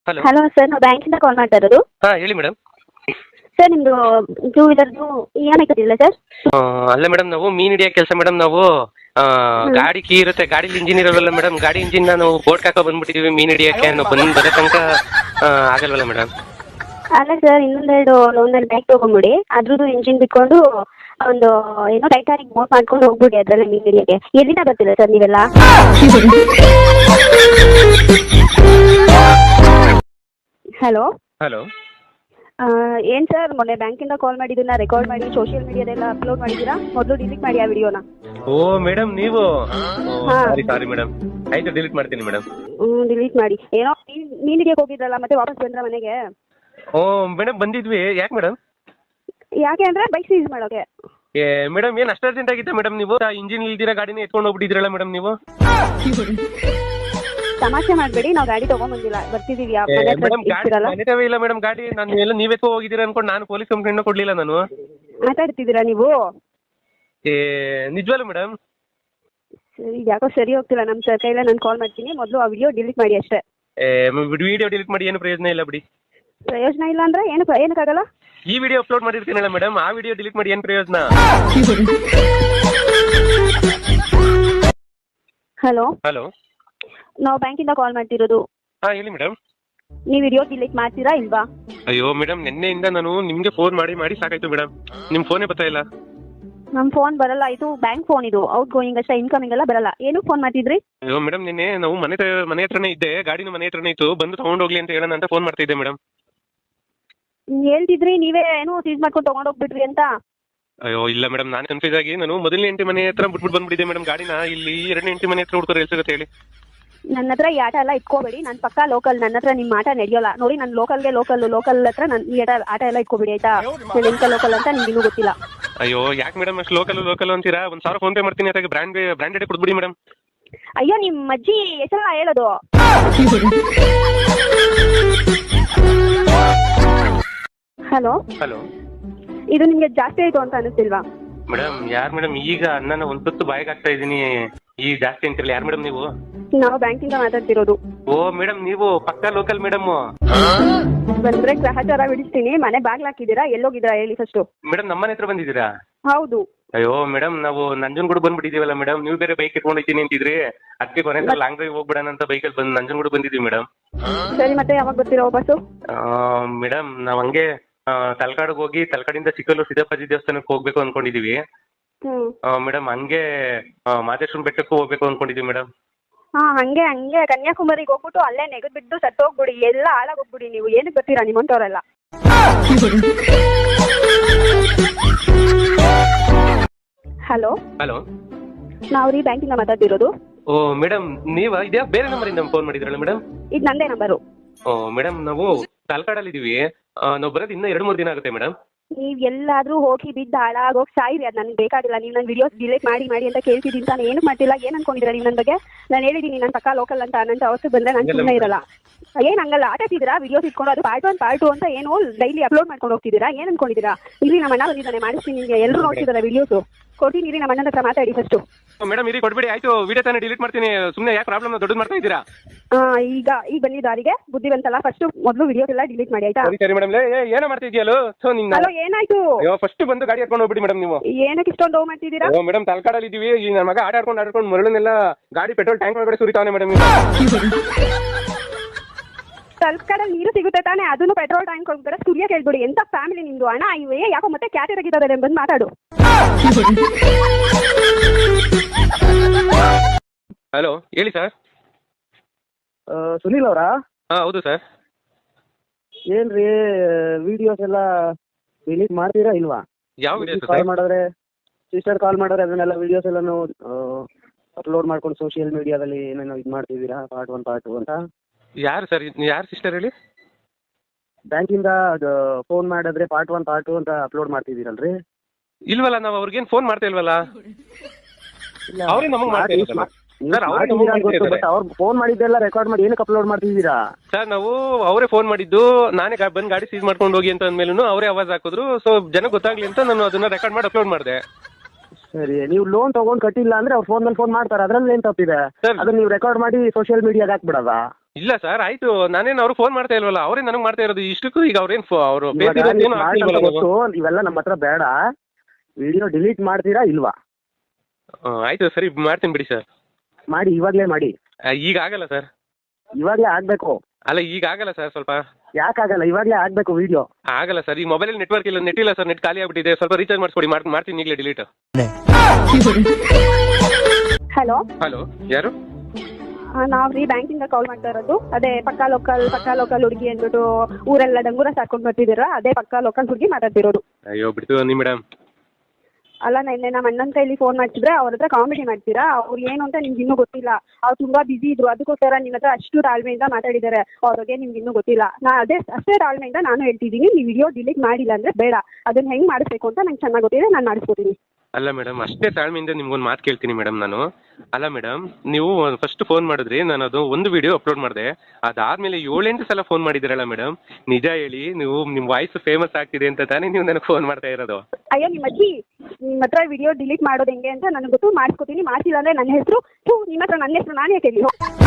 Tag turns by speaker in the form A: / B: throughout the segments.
A: Hello
B: hello sir, ನಾವು ಬ್ಯಾಂಕಿಂದ ಕಾಲ್ ಮಾಡ್ತಾ ಇರೋದು.
A: ಹಾಂ ಹೇಳಿ ಮೇಡಮ್.
B: ಸರ್ ನಿಮ್ಮದು ಟೂ ವೀಲರ್ದು ಇ ಎಮ್ ಐ ಕಟ್ಟಿಲ್ಲ ಸರ್?
A: ಅಲ್ಲ ಮೇಡಮ್, ನಾವು ಮೀನು ಹಿಡಿಯೋ ಕೆಲಸ ಮೇಡಮ್. ನಾವು ಗಾಡಿ ಕೀ ಇರುತ್ತೆ, ಗಾಡೀಲಿ ಇಂಜಿನ್ ಇರೋಲ್ಲ ಮೇಡಮ್. ಗಾಡಿ ಇಂಜಿನ್ ನಾವು ಬೋಟ್ ಹಾಕೋ ಬಂದ್ಬಿಟ್ಟಿದ್ದೀವಿ ಮೀನು ಹಿಡಿಯೋಕ್ಕೆ. ನಾವು ಬರೋ ತನಕ ಆಗಲ್ವಲ್ಲ ಮೇಡಮ್?
B: ಅಲ್ಲ ಸರ್, ಒಂದೆರಡು ಬ್ಯಾಗ್ ತೊಗೊಂಬಿಡಿ, ಅದ್ರದ್ದು ಇಂಜಿನ್ ಬಿಟ್ಕೊಂಡು ಒಂದು ಏನೋ ಟೈಟಾನಿಕ್ ಬೋಟ್ ಮಾಡ್ಕೊಂಡು ಹೋಗ್ಬಿಡಿ ಅದರಲ್ಲೇ ಮೀನು ಹಿಡಿಯೋಕ್ಕೆ. ಎಲ್ಲಿಂದ ಬರ್ತೀರಾ ಸರ್ ನೀವೆಲ್ಲ? Hello
A: hello.
B: ಏನು ಸರ್, ಮೊನ್ನೆ ಬ್ಯಾಂಕಿಂದ ಕಾಲ್ ಮಾಡಿದ್ದನ್ನ ರೆಕಾರ್ಡ್ ಮಾಡಿ ಸೋಷಿಯಲ್ ಮೀಡಿಯಾದೆಲ್ಲ ಅಪ್ಲೋಡ್ ಮಾಡಿದ್ದೀರಾ? ಮೊದಲು ಡಿಲೀಟ್ ಮಾಡಿ ಆ ವಿಡಿಯೋನ.
A: ಓ ಮೇಡಮ್, ನೀವು
B: ಹಾಂ.
A: Sorry madam. ಆಯ್ತು, ಡಿಲೀಟ್ ಮಾಡ್ತೀನಿ ಮೇಡಮ್.
B: ಡಿಲೀಟ್ ಮಾಡಿ. ಏನೋ ಮೀನು ಹಿಡಿಯೋಕೆ ಹೋಗಿದ್ರಲ್ಲ, ಮತ್ತೆ ವಾಪಸ್ ಬಂದ್ರ ಮನೆಗೆ?
A: ಓ ಮೇಡಮ್, ಬಂದಿದ್ವಿ. ಯಾಕೆ ಮೇಡಮ್?
B: ಯಾಕೆ ಅಂದರೆ ಬೈಕ್ ಸೀಸ್ ಮಾಡೋಕೆ.
A: ಏ ಮೇಡಮ್, ಏನು ಅಷ್ಟು ಅರ್ಜೆಂಟ್ ಆಗಿತ್ತ ಮೇಡಮ್? ನೀವು ಇಂಜಿನ್ ಇಲ್ದಿರ ಗಾಡಿನ ಎತ್ಕೊಂಡು ಹೋಗ್ಬಿಟ್ಟಿದ್ರಲ್ಲ ಮೇಡಮ್ ನೀವು.
B: ತಮಾಷೆ ಮಾಡಬೇಡಿ, ನಾವು ಗಾಡಿ ತಗೊಂಡ್ಬಂದಿಲ್ಲ, ಬರ್ತಿದೀವಿ.
A: ಮೇಡಮ್ ಗಾಡಿ ಮನೆತವೇ ಇಲ್ಲ ಮೇಡಮ್. ಗಾಡಿ ನಾನು ಎಲ್ಲ ನೀವೇ ಹೋಗಿದ್ದೀರಾ ಅನ್ಕೊಂಡು ನಾನು ಪೊಲೀಸ್ ಕಂಪ್ಲೇಂಟ್ ಕೊಡ್ಲಿಲ್ಲ ನಾನು.
B: ಮಾತಾಡ್ತಿದ್ದೀರಾ ನೀವು?
A: ಏ ನಿಜವಲ್ಲ ಮೇಡಮ್?
B: ಸರಿ, ಯಾಕೋ ಸರಿ ಹೋಗ್ತಿಲ್ಲ ನಮ್ಮ ಸರ್ ಕೈಲೇ. ನಾನು ಕಾಲ್ ಮಾಡ್ತೀನಿ, ಮೊದಲು ಆ ವಿಡಿಯೋ ಡಿಲೀಟ್ ಮಾಡಿ ಅಷ್ಟೇ.
A: ವಿಡಿಯೋ ಡಿಲೀಟ್ ಮಾಡಿ ಏನು ಪ್ರಯೋಜನ ಇಲ್ಲ ಬಿಡಿ.
B: ಪ್ರಯೋಜನ ಇಲ್ಲ ಅಂದ್ರೆ ಏನಕ್ಕಾಗಲ್ಲ?
A: ಈ ವಿಡಿಯೋ ಅಪ್ಲೋಡ್ ಮಾಡಿರ್ತೀನಲ್ಲ ಮೇಡಮ್, ಆ ವಿಡಿಯೋ ಡಿಲೀಟ್ ಮಾಡಿ ಏನು ಪ್ರಯೋಜನ?
B: Hello
A: hello.
B: ನಾವು ಬ್ಯಾಂಕಿಂದ ಕಾಲ್ ಮಾಡ್ತಿರೋದು.
A: ಹಾಂ ಹೇಳಿ ಮೇಡಮ್.
B: ನೀವು ವಿಡಿಯೋ ಡಿಲೀಟ್ ಮಾಡ್ತೀರಾ ಇಲ್ವಾ?
A: ಅಯ್ಯೋ ಮೇಡಮ್, ನಿನ್ನೆಯಿಂದ ನಾನು ನಿಮಗೆ ಫೋನ್ ಮಾಡಿ ಸಾಕಾಯ್ತು ಮೇಡಮ್. ನಿಮ್ಮ ಫೋನೇ ಬರ್ತಾ ಇಲ್ಲ.
B: ನಮ್ಮ ಫೋನ್ ಬರಲ್ಲ, ಇದು ಬ್ಯಾಂಕ್ ಫೋನ್. ಇದು ಔಟ್ ಗೋಯಿಂಗ್ ಅಷ್ಟೇ, ಇನ್ಕಮಿಂಗ್ ಎಲ್ಲ ಬರಲ್ಲ. ಏನಕ್ಕೆ ಫೋನ್ ಮಾಡ್ತಿದ್ರಿ?
A: ಅಯ್ಯೋ ಮೇಡಮ್, ನಿನ್ನೆ ನಾವು ಮನೆ ಹತ್ರನೇ ಇದ್ದೆ, ಗಾಡಿನ ಮನೆ ಹತ್ರನೇ ಇತ್ತು, ಬಂದು ತಗೊಂಡೋಗ್ಲಿ ಅಂತ ಹೇಳೋಣ ಅಂತ ಫೋನ್ ಮಾಡ್ತಾ ಇದ್ದೆ ಮೇಡಮ್.
B: ಹೇಳ್ತಿದ್ರಿ ನೀವೇ ಏನೋ ಸೀಸ್ ಮಾಡ್ಕೊಂಡು ತಗೊಂಡೋಗ್ಬಿಟ್ರಿ ಅಂತ.
A: ಅಯ್ಯೋ ಇಲ್ಲ ಮೇಡಮ್, ನಾನು ಕನ್ಫ್ಯೂಸ್ ಆಗಿ ನಾನು ಮೊದಲನೇ ಹೆಂಡತಿ ಮನೆ ಹತ್ರ ಬಿಟ್ಬಿಟ್ಟು ಬಂದ್ಬಿಟ್ಟಿದ್ದೆ ಮೇಡಮ್ ಗಾಡಿನ. ಇಲ್ಲಿ ಎರಡನೇ ಹೆಂಡತಿ ಮನೆ ಹತ್ರ ಹುಡ್ಕೋರು ಎಲ್ಲಿ ಸಿಗುತ್ತೆ ಹೇಳಿ?
B: ನನ್ನ ಹತ್ರ ಈ ಆಟ ಎಲ್ಲ ಇಟ್ಕೋಬೇಡಿ, ನಾನು ಪಕ್ಕಾ ಲೋಕಲ್. ನನ್ನ ಹತ್ರ ನಿಮ್ಮ ಆಟ ನಡೆಯೋಲ್ಲ ನೋಡಿ. ನಾನು ಲೋಕಲ್ ಹತ್ರ ನಾನು ಈ ಆಟ ಎಲ್ಲ ಇಟ್ಕೋಬೇಡಿ ಆಯ್ತಾ? ನಾನು ಎಂತ ಲೋಕಲ್ ಅಂತ ನಿಮ್ಗೆ ಇನ್ನೂ ಗೊತ್ತಿಲ್ಲ.
A: ಅಯ್ಯೋ ಯಾಕೆ ಮೇಡಮ್ ಅಷ್ಟು ಲೋಕಲ್ ಅಂತೀರಾ? 1,000 ಫೋನ್ ಪೇ ಮಾಡ್ತೀನಿ, ಅದಕ್ಕೆ ಬ್ರ್ಯಾಂಡೆಡ್ ಕೊಡ್ಬಿಡಿ ಮೇಡಮ್.
B: ಅಯ್ಯೋ, ನಿಮ್ಮ ಅಜ್ಜಿ ಹೆಸರಲ್ಲ ಹೇಳೋದು. Hello
A: hello.
B: ಇದು ನಿಮ್ಗೆ ಜಾಸ್ತಿ ಆಯ್ತು ಅಂತ ಅನಿಸ್ತಿಲ್ವಾ?
A: ಮೇಡಮ್ ಯಾರು ಮೇಡಮ್? ಈಗ ನನ್ನ ಒಂದು ತುತ್ತು ಬಾಯಿಗೆ ಆಗ್ತಾ ಇದ್ದೀನಿ, ಈಗ ಜಾಸ್ತಿ ಅಂತಿರಲ್ಲ. ಯಾರು ಮೇಡಮ್ ನೀವು?
B: ನಾವು ಬ್ಯಾಂಕಿಂದ ಮಾತಾಡ್ತಿರೋದು.
A: ಓ ಮೇಡಮ್, ನೀವು ಪಕ್ಕಾ ಲೋಕಲ್ ಮೇಡಮ್.
B: ಬಂದ್ರೆ ಗ್ರಹಚಾರ ಬಿಡಿಸ್ತೀನಿ. ಮನೆ ಬಾಗ್ಲು ಹಾಕಿದ್ದೀರಾ? ಎಲ್ಲೋಗಿದ್ದೀರಾ ಹೇಳಿ ಫಸ್ಟು?
A: ಮೇಡಮ್ ನಮ್ಮನೆ ಹತ್ರ ಬಂದಿದ್ದೀರಾ?
B: ಹೌದು.
A: ಅಯ್ಯೋ ಮೇಡಮ್, ನಾವು ನಂಜನಗೂಡು ಬಂದ್ಬಿಟ್ಟಿದ್ದೀವಲ್ಲ ಮೇಡಮ್. ನೀವು ಬೇರೆ ಬೈಕ್ ಇಟ್ಕೊಂಡು ಹೋಗ್ತೀನಿ ಅಂತಿದ್ರಿ, ಅದಕ್ಕೆ ಕೊನೆ ಲಾಂಗ್ ಡ್ರೈವ್ ಹೋಗ್ಬಿಡೋಣ ಅಂತ ಬೈಕಲ್ಲಿ ಬಂದು ನಂಜನಗೂಡು ಬಂದಿದ್ದೀವಿ ಮೇಡಮ್.
B: ಸರಿ, ಮತ್ತೆ ಯಾವಾಗ ಬರ್ತೀರಾ ವಾಪಸ್ಸು?
A: ಮೇಡಮ್ ನಾವು ಹಂಗೆ ತಲಕಾಡಿಗೆ ಹೋಗಿ ತಲಕಾಡಿಂದ ಚಿಕ್ಕಲ್ಲೂರು ಸಿದ್ದಪ್ಪಾಜಿ ದೇವಸ್ಥಾನಕ್ಕೆ ಹೋಗ್ಬೇಕು ಅನ್ಕೊಂಡಿದೀವಿ ಮೇಡಮ್. ಹಂಗೆ ಮಾದೇಶ್ವರನ ಬೆಟ್ಟಕ್ಕೂ ಹೋಗ್ಬೇಕು ಅನ್ಕೊಂಡಿದೀವಿ ಮೇಡಮ್.
B: ಹಂಗೆ ಕನ್ಯಾಕುಮಾರಿಗೆ ಹೋಗ್ಬಿಟ್ಟು ಅಲ್ಲೇ ನೆಗದ್ ಬಿದ್ದು ಸತ್ತೋಗ್ಬಿಡಿ, ಎಲ್ಲ ಹಾಳಾಗೋಗ್ಬಿಡಿ. ನೀವು ಏನಕ್ಕೆ ಬರ್ತೀರಾ ನಿಮ್ಮಂತವ್ರೆಲ್ಲ? Hello
A: hello.
B: ನಾವು ರೀ ಬ್ಯಾಂಕಿಂದ ಮಾತಾಡ್ತಿರೋದು.
A: ಓ ಮೇಡಮ್, ನೀವಾ? ಇದ್ಯಾ ಬೇರೆ ನಂಬರಿಂದ ಫೋನ್ ಮಾಡಿದ್ರಲ್ಲ ಮೇಡಮ್?
B: ಇದು ನಂದೇ ನಂಬರು.
A: ಓ ಮೇಡಮ್, ನಾವು ತಲಕಾಡಲ್ಲಿ ಇದೀವಿ. ನಾವು ಬರೋದು ಇನ್ನೂ 2-3 ದಿನ ಆಗುತ್ತೆ ಮೇಡಮ್.
B: ನೀವು ಎಲ್ಲಾದ್ರೂ ಹೋಗಿ ಬಿದ್ದು ಹಾಳಾಗೋಗಿ ಸಾಯಿರಿ, ಅದು ನನಗೆ ಬೇಕಾಗಿಲ್ಲ. ನೀವು ನನ್ನ ವಿಡಿಯೋಸ್ ಡಿಲೀಟ್ ಮಾಡಿ ಅಂತ ಕೇಳ್ತಿದ್ದೀನಿ ತಾನು. ಏನಕ್ಕೆ ಮಾಡ್ತಿಲ್ಲ? ಏನು ಅನ್ಕೊಂಡಿದ್ದೀರಾ ನೀವು ನನ್ನ ಬಗ್ಗೆ? ನಾನು ಹೇಳಿದ್ದೀನಿ ನಾನು ಪಕ್ಕಾ ಲೋಕಲ್ ಅಂತ. ನನ್ನ ಅವಸ್ಥೆ ಬಂದರೆ ನಾನು ಸುಮ್ಮನೆ ಇರಲ್ಲ. ಏನು ಹಂಗಲ್ಲ ಆಟಾಡ್ತಿದ್ದೀರಾ? ವಿಡಿಯೋಸ್ ಇಟ್ಕೊಂಡು ಅದು ಪಾರ್ಟ್ 1 ಪಾರ್ಟ್ 2 ಅಂತ ಏನು ಡೈಲಿ ಅಪ್ಲೋಡ್ ಮಾಡ್ಕೊಂಡು ಹೋಗ್ತಿದ್ದೀರಾ? ಏನು ಅನ್ಕೊಂಡಿದ್ದೀರಾ? ಇಲ್ಲಿ ನಮ್ಮ ಅಣ್ಣ ಬಂದಿದ್ದಾನೆ, ಮಾಡಿಸ್ತೀನಿ ನಿಮಗೆ. ಎಲ್ಲರೂ ನೋಡ್ತಿದ್ದಾರೆ ವಿಡಿಯೋಸು. ಕೊಡ್ತೀನಿ ಇರಿ, ನಮ್ಮ ಅಣ್ಣನ ಹತ್ರ ಮಾತಾಡಿ ಫಸ್ಟು.
A: ಮೇಡಮ್ ಇರಿ, ಕೊಡ್ಬೇಡಿ ಆಯ್ತು. ವಿಡಿಯೋ ತಾನೇ ಡಿಲೀಟ್ ಮಾಡ್ತೀನಿ, ಸುಮ್ಮನೆ ಯಾಕೆ ಪ್ರಾಬ್ಲಮ್ ದೊಡ್ಡದು ಮಾಡ್ತಾ ಇದ್ದೀರಾ?
B: ಈಗ ಬಂದಿದ್ದ ದಾರಿಗೆ ಬುದ್ಧಿ ಬಂತಲ್ಲ, ಫಸ್ಟ್ ಮೊದಲು ವಿಡಿಯೋಸ್ ಎಲ್ಲ ಡಿಲೀಟ್ ಮಾಡಿ ಆಯ್ತಾ?
A: ಸರಿ ಮೇಡಮ್. ಏನೋ ಮಾಡ್ತಿದ್ಯಲ್ಲೋ?
B: ಹಲೋ, ಏನಾಯ್ತು?
A: ಫಸ್ಟ್ ಬಂದು ಗಾಡಿ ಹರ್ಕೊಂಡು ಹೋಗ್ಬಿಡಿ ಮೇಡಮ್. ನೀವು
B: ಏನಕ್ಕೆ ಇಷ್ಟೊಂದು ನೋವು ಮಾಡ್ತಿದ್ದೀರಾ?
A: ಮೇಡಮ್ ತಲಕಾಡಲ್ಲಿ ಇದೀವಿ. ಈ ನನ್ನ ಮಗ ಆಟಾಡ್ಕೊಂಡು ಮರಳನ್ನೆಲ್ಲ ಗಾಡಿ ಪೆಟ್ರೋಲ್ ಟ್ಯಾಂಕ್ ಒಳಗಡೆ ಸುರಿತಾವನೆ ಮೇಡಮ್.
B: ತಲಕಾಡಲ್ಲಿ ನೀರು ಸಿಗುತ್ತೆ ತಾನೆ? ಅದನ್ನು ಪೆಟ್ರೋಲ್ ಟ್ಯಾಂಕ್ ಒಳಗಡೆ ಸುರಿಯಕ್ಕೆ ಹೇಳ್ಬಿಡಿ. ಎಂತ ಫ್ಯಾಮಿಲಿ ನಿಮ್ದು? ಅಣ್ಣ ಇವೇ ಯಾಕೋ ಮತ್ತೆ ಕ್ಯಾಟರಾಗಿದ್ದಾರೆ, ಬಂದು ಮಾತಾಡು.
A: ಹಲೋ ಹೇಳಿ ಸರ್.
C: ಸುನೀಲ್ ಅವರಾ?
A: ಹಾಂ ಹೌದು ಸರ್.
C: ಏನ್ರಿ ವಿಡಿಯೋಸ್ ಎಲ್ಲ ಡಿಲೀಟ್ ಮಾಡ್ತೀರಾ ಇಲ್ವಾ?
A: ಯಾವ ವಿಡಿಯೋಸ್
C: ಕಾಲ್ ಮಾಡಿದ್ರೆ, ಸಿಸ್ಟರ್ ಕಾಲ್ ಮಾಡಿದ್ರೆ ಅದನ್ನೆಲ್ಲ ವಿಡಿಯೋಸ್ ಎಲ್ಲಾನು ಅಪ್ಲೋಡ್ ಮಾಡ್ಕೊಂಡು ಸೋಷಿಯಲ್ ಮೀಡಿಯಾದಲ್ಲಿ ಏನೇನೋ ಇದು ಮಾಡ್ತಿದ್ದೀರಾ, ಪಾರ್ಟ್ 1 ಪಾರ್ಟ್ 2 ಅಂತ?
A: ಯಾರು ಸರ್? ಯಾರು ಸಿಸ್ಟರ್ ಹೇಳಿ?
C: ಬ್ಯಾಂಕಿಂದ ಅದು ಫೋನ್ ಮಾಡಿದ್ರೆ ಪಾರ್ಟ್ 1 ಪಾರ್ಟ್ 2 ಅಂತ ಅಪ್ಲೋಡ್ ಮಾಡ್ತಿದ್ದೀರಲ್ರಿ?
A: ಇಲ್ವಲ್ಲ, ನಾವು ಅವ್ರಿಗೇನು ಫೋನ್ ಮಾಡ್ತಾ ಇಲ್ವಲ್ಲ. ಅವ್ರೇ ನಮಗೆ ಮಾಡ್ತಾ ಇಲ್ವಲ್ಲ ಸರ್.
C: ಅವ್ರು ಫೋನ್ ಮಾಡಿದ್ದೆಲ್ಲ ರೆಕಾರ್ಡ್ ಮಾಡಿ ಏನಕ್ಕೆ ಅಪ್ಲೋಡ್ ಮಾಡ್ತಿದ್ದೀರಾ
A: ಸರ್? ನಾವು ಅವರೇ ಫೋನ್ ಮಾಡಿದ್ದು, ನಾನೇ ಬಂದು ಗಾಡಿ ಸೀಸ್ ಮಾಡ್ಕೊಂಡು ಹೋಗಿ ಅಂತ ಅಂದ್ಮೇಲೂ ಅವರೇ ಆವಾಜ್ ಹಾಕಿದ್ರು. ಸೊ ಜನಕ್ಕೆ ಗೊತ್ತಾಗ್ಲಿ ಅಂತ ನಾನು ಅದನ್ನ ರೆಕಾರ್ಡ್ ಮಾಡಿ ಅಪ್ಲೋಡ್ ಮಾಡಿದೆ.
C: ಸರಿ, ನೀವು ಲೋನ್ ತಗೊಂಡು ಕಟ್ಟಿಲ್ಲ ಅಂದ್ರೆ ಅವ್ರು ಫೋನ್ ಮಾಡ್ತಾರೆ, ಅದ್ರಲ್ಲಿ ಏನ್ ತಪ್ಪಿದೆ? ಅದನ್ನ ನೀವು ರೆಕಾರ್ಡ್ ಮಾಡಿ ಸೋಷಿಯಲ್ ಮೀಡಿಯಾಗೆ ಹಾಕ್ಬಿಡೋದಾ?
A: ಇಲ್ಲ ಸರ್ ಆಯ್ತು, ನಾನೇನು ಅವ್ರು ಫೋನ್ ಮಾಡ್ತಾ ಇಲ್ವಲ್ಲ, ಅವರೇ ನನಗೆ ಮಾಡ್ತಾ ಇರೋದು ಇಷ್ಟಕ್ಕೂ. ಈಗ ಅವ್ರೇನು ಅವರು
C: ಇವಾಗ ನೀವು ಸ್ಮಾರ್ಟ್ ಅಂತ ಗೊತ್ತು, ಇವೆಲ್ಲ ನಮ್ಮ ಹತ್ರ ಬೇಡ. ವಿಡಿಯೋ ಡಿಲೀಟ್ ಮಾಡ್ತೀರಾ ಇಲ್ವಾ?
A: ಆಯ್ತು ಸರಿ ಮಾಡ್ತೀನಿ ಬಿಡಿ ಸರ್.
C: ಮಾಡಿ, ಇವಾಗಲೇ ಮಾಡಿ.
A: ಈಗ ಆಗಲ್ಲ ಸರ್.
C: ಇವಾಗಲೇ ಆಗ್ಬೇಕು.
A: ಅಲ್ಲ ಈಗ ಆಗಲ್ಲ ಸರ್, ಸ್ವಲ್ಪ.
C: ಯಾಕಾಗಲ್ಲ? ಇವಾಗಲೇ ಆಗ್ಬೇಕು ವಿಡಿಯೋ.
A: ಆಗಲ್ಲ ಸರ್, ಈ ಮೊಬೈಲಲ್ಲಿ ನೆಟ್ವರ್ಕ್ ಇಲ್ಲ, ನೆಟ್ ಇಲ್ಲ ಸರ್, ನೆಟ್ ಖಾಲಿ ಆಗ್ಬಿಟ್ಟಿದೆ. ಸ್ವಲ್ಪ ರೀಚಾರ್ಜ್ ಮಾಡಿಸ್ಕೊಡಿ, ಮಾಡ್ತೀನಿ ಈಗಲೇ ಡಿಲೀಟ್.
B: ಹಲೋ
A: ಹಲೋ, ಯಾರು?
B: ನಾವು ರೀ ಬ್ಯಾಂಕಿಂದ ಕಾಲ್ ಮಾಡ್ತಾ ಇರೋದು. ಅದೇ ಪಕ್ಕಾ ಲೋಕಲ್ ಹುಡುಗಿ ಅಂದ್ಬಿಟ್ಟು ಊರೆಲ್ಲ ಡಂಗೂರ ಸಾಕೊಂಡು ಬರ್ತಿದ್ದೀರಾ, ಅದೇ ಪಕ್ಕಾ ಲೋಕಲ್ ಹುಡುಗಿ ಮಾತಾಡ್ತಿರೋದು.
A: ಅಯ್ಯೋ ಬಿಡ್ತೀವಿ ನೀ ಮೇಡಮ್.
B: ಅಲ್ಲ, ನೆನ್ನೆ ನಮ್ಮ ಅಣ್ಣನ ಕೈಲಿ ಫೋನ್ ಮಾಡ್ತಿದ್ರೆ ಅವ್ರ ಹತ್ರ ಕಾಮಿಡಿ ಮಾಡ್ತೀರಾ. ಅವ್ರು ಏನು ಅಂತ ನಿಮ್ಗೆ ಇನ್ನೂ ಗೊತ್ತಿಲ್ಲ. ಅವ್ರು ತುಂಬಾ ಬಿಸಿ ಇದ್ರು, ಅದಕ್ಕೋಸ್ಕರ ನಿಮ್ಮ ಹತ್ರ ಅಷ್ಟು ತಾಳ್ಮೆಯಿಂದ ಮಾತಾಡಿದ್ದಾರೆ. ಅವ್ರ ಬಗ್ಗೆ ನಿಮ್ಗೆ ಇನ್ನೂ ಗೊತ್ತಿಲ್ಲ. ಅಷ್ಟೇ ತಾಳ್ಮೆಯಿಂದ ನಾನು ಹೇಳ್ತಿದ್ದೀನಿ, ನೀವು ವಿಡಿಯೋ ಡಿಲೀಟ್ ಮಾಡಿಲ್ಲ ಅಂದ್ರೆ ಬೇಡ. ಅದನ್ನ ಹೆಂಗ್ ಮಾಡಿಸ್ಬೇಕು ಅಂತ ನಂಗೆ ಚೆನ್ನಾಗಿ ಗೊತ್ತಿದೆ, ನಾನು ಮಾಡಿಸ್ಕೊತೀನಿ.
A: ಅಲ್ಲ ಮೇಡಮ್, ಅಷ್ಟೇ ತಾಳ್ಮೆಯಿಂದ ನಿಮ್ಗೊಂದು ಮಾತು ಕೇಳ್ತೀನಿ ಮೇಡಮ್ ನಾನು. ಅಲ್ಲ ಮೇಡಮ್, ನೀವು ಫಸ್ಟ್ ಫೋನ್ ಮಾಡಿದ್ರಿ, ನಾನು ಅದು ಒಂದು ವಿಡಿಯೋ ಅಪ್ಲೋಡ್ ಮಾಡಿದೆ. ಅದಾದ್ಮೇಲೆ 7-8 ಸಲ ಫೋನ್ ಮಾಡಿದಿರಲ್ಲ ಮೇಡಮ್. ನಿಜ ಹೇಳಿ, ನೀವು ನಿಮ್ಮ ವಾಯ್ಸ್ ಫೇಮಸ್ ಆಗ್ತಿದೆ ಅಂತ ತಾನೇ ನೀವು ನನಗೆ ಫೋನ್ ಮಾಡ್ತಾ ಇರೋದು?
B: ಅಯ್ಯೋ ನಿಮ್ಮ ಅಜ್ಜಿ, ನಿಮ್ಮ ಹತ್ರ ವಿಡಿಯೋ ಡಿಲೀಟ್ ಮಾಡೋದು ಹೆಂಗೆ ಅಂತ ನನಗೆ ಗೊತ್ತು, ಮಾಡಿಸ್ಕೊತೀನಿ. ಮಾಡಿಸಿಲ್ಲ ಅಂದ್ರೆ ನನ್ನ ಹೆಸರು ನಿಮ್ಮ ಹತ್ರ ನನ್ನ ಹೆಸರು ನಾನೇ ಕೇಳಿ.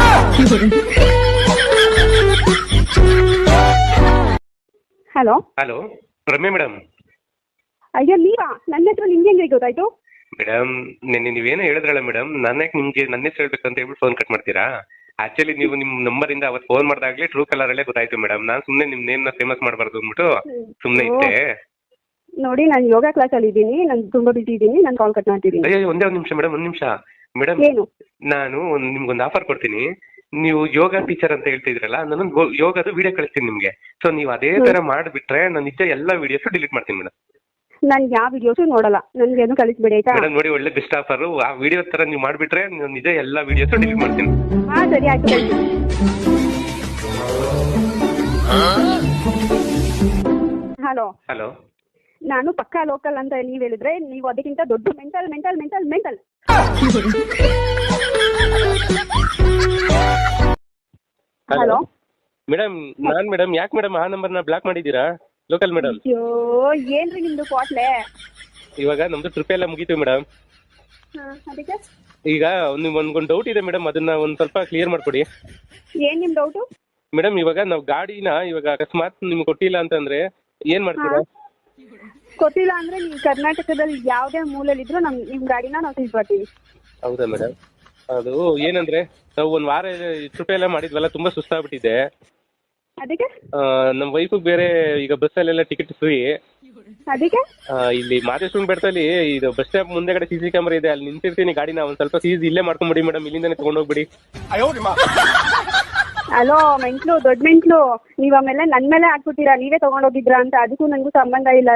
B: Hello
A: hello, Ramya madam.
B: ಅಯ್ಯೋ ನೀವಾ? ನನ್ನ ಹೆಸರು ನಿಮ್ಗೆ ಹೆಂಗೆ ಗೊತ್ತಾಯ್ತು?
A: ಮೇಡಮ್, ನಿನ್ನೆ ನೀವೇನೋ ಹೇಳಿದ್ರಲ್ಲ ಮೇಡಮ್, ನಾನೇ ನಿಮ್ಗೆ ನನ್ನ ಹೆಸರು ಹೇಳ್ಬೇಕು ಅಂತ ಹೇಳ್ಬಿಟ್ಟು ಫೋನ್ ಕಟ್ ಮಾಡ್ತೀರಾ? ಆಕ್ಚುಲಿ ನೀವು ನಿಮ್ಮ ನಂಬರಿಂದ ಅವತ್ತು ಫೋನ್ ಮಾಡಿದಾಗಲೇ ಟ್ರೂ ಕಲರಲ್ಲೇ ಗೊತ್ತಾಯ್ತು ಮೇಡಮ್. ನಾನು ಸುಮ್ಮನೆ ನಿಮ್ಮ ನೇಮ್ನ ಫೇಮಸ್ ಮಾಡಬಾರ್ದು ಅಂದ್ಬಿಟ್ಟು ಸುಮ್ಮನೆ ಇದ್ದೆ.
B: ನೋಡಿ, ನಾನು ಯೋಗ ಕ್ಲಾಸಲ್ಲಿ ಇದ್ದೀನಿ, ನಾನು ತುಂಬಾ ಬಿಸಿ ಇದ್ದೀನಿ, ನಾನು ಕಾಲ್ ಕಟ್ ಮಾಡ್ತಿದ್ದೀನಿ.
A: ಅಯ್ಯೋ ಒಂದೇ ಒಂದು ನಿಮಿಷ ಮೇಡಮ್, ಒಂದು ನಿಮಿಷ ಮೇಡಮ್.
B: ಏನು?
A: ನಾನು ನಿಮ್ಗೊಂದು ಆಫರ್ ಕೊಡ್ತೀನಿ. ನೀವು ಯೋಗ ಟೀಚರ್ ಅಂತ ಹೇಳ್ತಿದ್ರಲ್ಲ, ನಾನು ಯೋಗದ ವಿಡಿಯೋ ಕಳಿಸ್ತೀನಿ ನಿಮ್ಗೆ. ಸೊ ನೀವು ಅದೇ ತರ ಮಾಡಿಬಿಟ್ರೆ ನಾನು ನಿಜ ಎಲ್ಲ ವಿಡಿಯೋಸ್ ಡಿಲೀಟ್ ಮಾಡ್ತೀನಿ ಮೇಡಮ್.
B: ನಾನು ಯಾವ ವಿಡಿಯೋಸು ನೋಡಲ್ಲ, ನನ್ಗೇನು ಕಳಿಸ್ಬೇಡಿ ಆಯ್ತಾ?
A: ಮೇಡಮ್ ನೋಡಿ, ಒಳ್ಳೆ ಬೆಸ್ಟ್ ಆಫರ್. ಆ ವಿಡಿಯೋ ತರ ನೀವು ಮಾಡಿಬಿಟ್ರೆ ನಾನು ನಿಜ ಎಲ್ಲ ವಿಡಿಯೋಸ್ ಡಿಲೀಟ್ ಮಾಡ್ತೀನಿ.
B: ಹಾ ಸರಿ ಆಯ್ತು, ಕಳಿಸಿ. ಹಲೋ
A: ಹಲೋ,
B: ನಾನು ಪಕ್ಕಾ ಲೋಕಲ್ ಅಂತ ನೀವ್ ಹೇಳಿದ್ರೆ, ನೀವು ಅದಕ್ಕಿಂತ ದೊಡ್ಡ ಮೆಂಟಲ್. ಹಲೋ
A: ಮೇಡಮ್, ನಾನ್ ಮೇಡಮ್, ಯಾಕೆ ಮೇಡಮ್ ಆ ನಂಬರ್ನ ಬ್ಲಾಕ್ ಮಾಡಿದ್ದೀರಾ? Local madam.
B: ಅಯ್ಯೋ, ಏನ್ರಿ ನಿಮ್ದು ಕ್ವಾಟ್ಲೆ?
A: ಇವಾಗ ನಮ್ದು ಟ್ರಿಪ್ ಎಲ್ಲ ಮುಗೀತು ಮೇಡಮ್.
B: ಅದಕ್ಕೆ
A: ಈಗ ಒಂದು ಡೌಟ್ ಇದೆ ಮೇಡಮ್, ಅದನ್ನ ಒಂದು ಸ್ವಲ್ಪ ಕ್ಲಿಯರ್ ಮಾಡ್ಕೊಡಿ.
B: ಏನ್ ನಿಮ್ ಡೌಟು?
A: ಮೇಡಮ್, ಇವಾಗ ನಾವು ಗಾಡಿನ ಇವಾಗ ಅಕಸ್ಮಾತ್ ನಿಮ್ಗೆ ಕೊಟ್ಟಿಲ್ಲ ಅಂತಂದ್ರೆ ಏನ್ ಮಾಡ್ತೀರಾ?
B: ಗೊತ್ತಿಲ್ಲ ಅಂದ್ರೆ ನೀವು ಕರ್ನಾಟಕದಲ್ಲಿ ಯಾವ್ದೇ ಮೂಲೆಯಲ್ಲಿದ್ರು ನಿಮ್ ಗಾಡಿನ ನಾವು ತಿಳ್ಕೊತೀವಿ.
A: ಹೌದಾ ಮೇಡಮ್? ಅದು ಏನಂದ್ರೆ, ನಾವು ಒಂದ್ ವಾರ ಟ್ರಿಪ್ ಎಲ್ಲ ಮಾಡಿದ್ವಲ್ಲ, ತುಂಬಾ ಸುಸ್ತಾಗ್ಬಿಟ್ಟಿದೆ.
B: ಅದಕ್ಕೆ
A: ನಮ್ಮ ವೈಫ್ ಬೇರೆ ಈಗ ಬಸ್ಸಲ್ಲೆಲ್ಲ ಟಿಕೆಟ್ ಫ್ರೀ.
B: ಅದಕ್ಕೆ
A: ಇಲ್ಲಿ ಮಾದೇಶ್ವರ ಬೆಟ್ಟದಲ್ಲಿ ಇದು ಬಸ್ ಸ್ಟಾಪ್ ಮುಂದೆಗಡೆ CC ಕ್ಯಾಮರಾ ಇದೆ, ಅಲ್ಲಿ ನಿಂತಿರ್ತೀನಿ ಗಾಡಿನ. ಒಂದ್ ಸ್ವಲ್ಪ ಸೀಸ್ ಇಲ್ಲೇ ಮಾಡ್ಕೊಂಡ್ಬಿಡಿ ಮೇಡಮ್, ಇಲ್ಲಿಂದಾನೆ ತಗೊಂಡೋಗ್ಬಿಡಿ.
B: ಹಲೋ ಮೆಂಟ್ಲು, ದೊಡ್ಡ ಮೆಂಟ್ಲು, ನೀವ್ ಆಮೇಲೆ ನನ್ ಮೇಲೆ ಹಾಕ್ಬಿಟ್ಟಿರಾ, ನೀವೇ ತಗೊಂಡೋಗಿದ್ರಾ ಅಂತ. ಅದಕ್ಕೂ ನಂಗೂ ಸಂಬಂಧ ಇಲ್ಲ.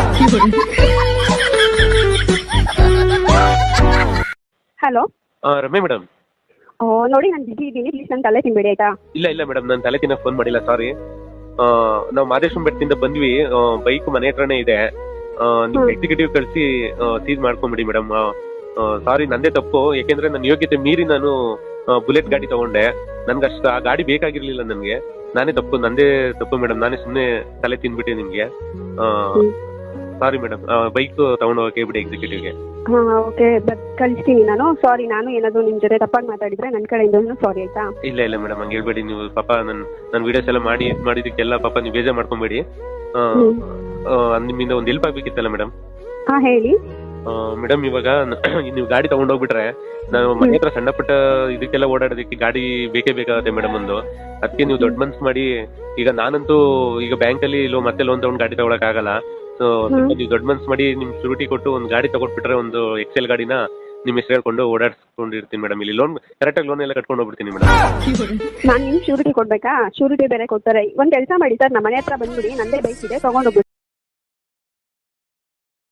B: Hello
A: Ramya madam.
B: ನೋಡಿ, ನಾನು ಬಿಸಿ ಇದ್ದೀನಿ, ಪ್ಲೀಸ್ ನನ್ನ ತಲೆ ತಿನ್ಬೇಡಿ ಆಯ್ತಾ?
A: ಇಲ್ಲ ಮೇಡಮ್, ನಾನು ತಲೆ ತಿನ್ನಕ್ ಫೋನ್ ಮಾಡಿಲ್ಲ, ಸಾರಿ. ನಾವು ಮಾದೇಶ್ವರ ಬೆಟ್ಟದಿಂದ ಬಂದ್ವಿ, ಬೈಕ್ ಮನೆ ಹತ್ರನೇ ಇದೆ. ನೀವು ಎಕ್ಸಿಕ್ಯೂಟಿವ್ ಕಳಿಸಿ ಸೀಸ್ ಮಾಡ್ಕೊಂಬಿಡಿ ಮೇಡಮ್. ಸಾರಿ, ನಂದೇ ತಪ್ಪು. ಯಾಕೆಂದ್ರೆ ನನ್ನ ಯೋಗ್ಯತೆ ಮೀರಿ ನಾನು ಬುಲೆಟ್ ಗಾಡಿ ತಗೊಂಡೆ. ನನ್ಗೆ ಅಷ್ಟು ಆ ಗಾಡಿ ಬೇಕಾಗಿರ್ಲಿಲ್ಲ ನನಗೆ. ನಂದೇ ತಪ್ಪು ಮೇಡಮ್. ನಾನೇ ಸುಮ್ಮನೆ ತಲೆ ತಿನ್ಬಿಟ್ಟೆ ನಿಮ್ಗೆ. ಸಾರಿ ಮೇಡಮ್, ಬೈಕ್ ತಗೊಂಡು ಹೋಗಕ್ಕೆ ಬಿಡಿ ಎಕ್ಸಿಕ್ಯೂಟಿವ್ಗೆ.
B: ಓಕೆ, ಕಳಿಸ್ತೀನಿ ನಾನು. ಸಾರಿ, ನಾನು ಏನಾದ್ರು ನಿಮ್ ಜೊತೆ ತಪ್ಪಾಗಿ ಮಾತಾಡಿದ್ರೆ ನನ್ನ ಕಡೆಯಿಂದ ಸಾರಿ ಆಯ್ತಾ? ಇಲ್ಲ
A: ಮೇಡಮ್, ಹಂಗೆ ಹೇಳ್ಬೇಡಿ ನೀವು. ಪಾಪ ನನ್ನ ವಿಡಿಯೋಸ್ ಎಲ್ಲ ಮಾಡಿದಕ್ಕೆಲ್ಲ ಪಾಪ ನೀವು ಬೇಜಾರ್ ಮಾಡ್ಕೊಂಬೇಡಿ. ನಿಮ್ಮಿಂದ ಒಂದು ಹೆಲ್ಪ್ ಆಗ್ಬೇಕಿತ್ತಲ್ಲ ಮೇಡಮ್.
B: ಹಾ ಹೇಳಿ
A: ಮೇಡಮ್. ಇವಾಗ ನೀವು ಗಾಡಿ ತಗೊಂಡೋಗ್ಬಿಟ್ರೆ ನಾನು ಮನೆ ಹತ್ರ ಸಣ್ಣ ಪುಟ್ಟ ಇದಕ್ಕೆಲ್ಲ ಓಡಾಡೋದಕ್ಕೆ ಗಾಡಿ ಬೇಕೇ ಬೇಕಾಗುತ್ತೆ ಮೇಡಮ್ ಒಂದು. ಅದಕ್ಕೆ ನೀವು ದೊಡ್ಡ ಮನ್ಸು ಮಾಡಿ, ಈಗ ನಾನಂತೂ ಈಗ ಬ್ಯಾಂಕಲ್ಲಿ ಮತ್ತೆ ಲೋನ್ ತಗೊಂಡು ಗಾಡಿ ತಗೊಳಕ್ ಆಗಲ್ಲ. ಸೊ ನೀವು ದೊಡ್ಡ ಮನ್ಸು ಮಾಡಿ ನಿಮ್ ಶೂರಿಟಿ ಕೊಟ್ಟು ಒಂದು ಗಾಡಿ ತಗೊಂಡ್ಬಿಟ್ರೆ, ಒಂದು ಎಕ್ಸೆಲ್ ಗಾಡಿನ ನಿಮ್ ಹೆಸರು ಹೇಳ್ಕೊಂಡು ಓಡಾಡ್ಸ್ಕೊಂಡಿರ್ತೀನಿ ಮೇಡಮ್. ಇಲ್ಲಿ ಕರೆಕ್ಟಾಗಿ ಲೋನ್ ಎಲ್ಲ ಕಟ್ಕೊಂಡು ಹೋಗ್ಬಿಡ್ತೀನಿ ಮೇಡಮ್.
B: ನಾನು ನಿಮ್ ಶೂರಿಟಿ ಕೊಡ್ಬೇಕಾ? ಶೂರಿಟಿ ಬೇರೆ ಕೊಡ್ತಾರೆ. ಒಂದ್ ಕೆಲಸ ಮಾಡಿ ಸರ್, ನಮ್ಮ ಮನೆ ಹತ್ರ ಬಂದ್ಬಿಡಿ, ನಂದೇ ಬೈಕ್ ಇದೆ, ತಗೊಂಡೋಗ್ಬಿಡಿ.